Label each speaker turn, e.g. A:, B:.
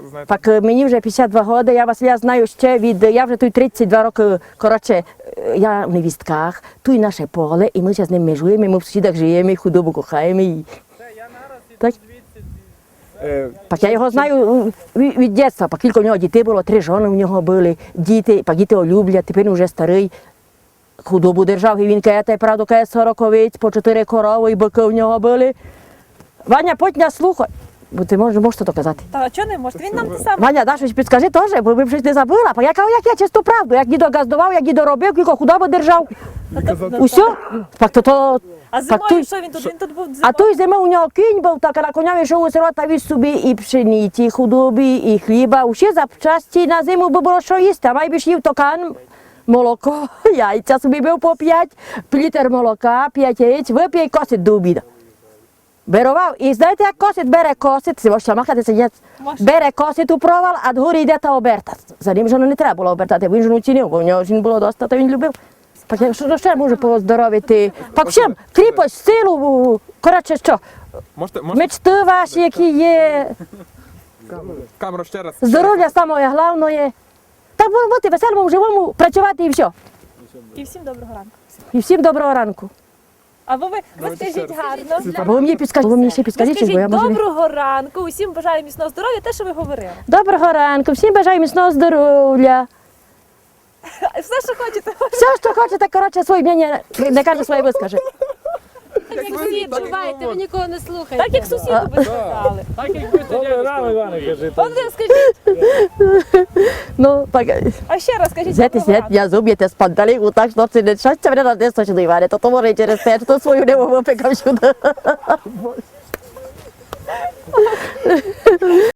A: знаєте. Так мені вже 52 роки, я знаю ще я вже тут 32 роки, коротше, я в невістках, тут наше поле, і ми зараз з ним межуємо, ми в сусідах живемо, і худобу кохаємо. Так? Так я його знаю від дитинства, пак кілька в нього дітей було, 3 жони в нього були, діти, пак діти його люблять, тепер він вже старий. Худобу держав, і він каже, правда, каже 40 овець, по 4 корови і бики в нього були. Ваня, потім нас слухай, бо ти можеш то казати.
B: Та чого не може? Він нам те саме.
A: Ваня, да, щось підскажи теж, бо ви щось не забула. Я кажу, як я чисту правду, як дідо газдував, як дідо робив, кілько худобу держав. Усьо? Так то
B: А зимою що він тут? Він тут був зимою?
A: А той зимою у нього кінь був, так, а на коня йшов у село та віз собі і пшениці, і худоби, і хліба. Усі запчасті на зиму би було що їсти, а майбіж їв токан, молоко, яйця собі бив по 5, літр молока, 5 яєць, вип'є і косить до обіду. Берував, і знаєте, як косить, бере косить, це можна махатися, бере косить у провал, а дгорі йде та оберта. За ним жону не треба було обертати, він жону цінив, бо в нього жін було доста, то він любив. Так що ще можу поздоровити? Так всім, кріпость, силу, коротше що, мечти ваші, які є,
C: Камеру ще раз.
A: здоров'я самое головне. Так бути веселому, живому, працювати і все.
B: І всім доброго ранку.
A: І всім доброго ранку.
B: Або ви скажіть гарно.
A: Або ви мені підскажіть, бо я
B: Скажіть
A: можу...
B: доброго ранку, усім бажаю міцного здоров'я, те, що ви говорили.
A: Доброго ранку, всім бажаю міцного здоров'я.
B: Все, що хочете.
A: Все, що хочете, коротше, своє мнення, не каже своє вискаже.
D: Так як всі відчуваєте, ви нікого не слухаєте.
B: Так як сусіду би сказали.
E: Так як ви сьогодні рано, Іване, кажи.
B: От ви скажіть.
A: Ну, так,
B: А ще раз скажіть
A: знаєте,
B: доброго ранку.
A: я зуб'єте з панталіку, так, що це не щастя мене на десь точно, Іване, то може і через те, то свою не випекав сюди.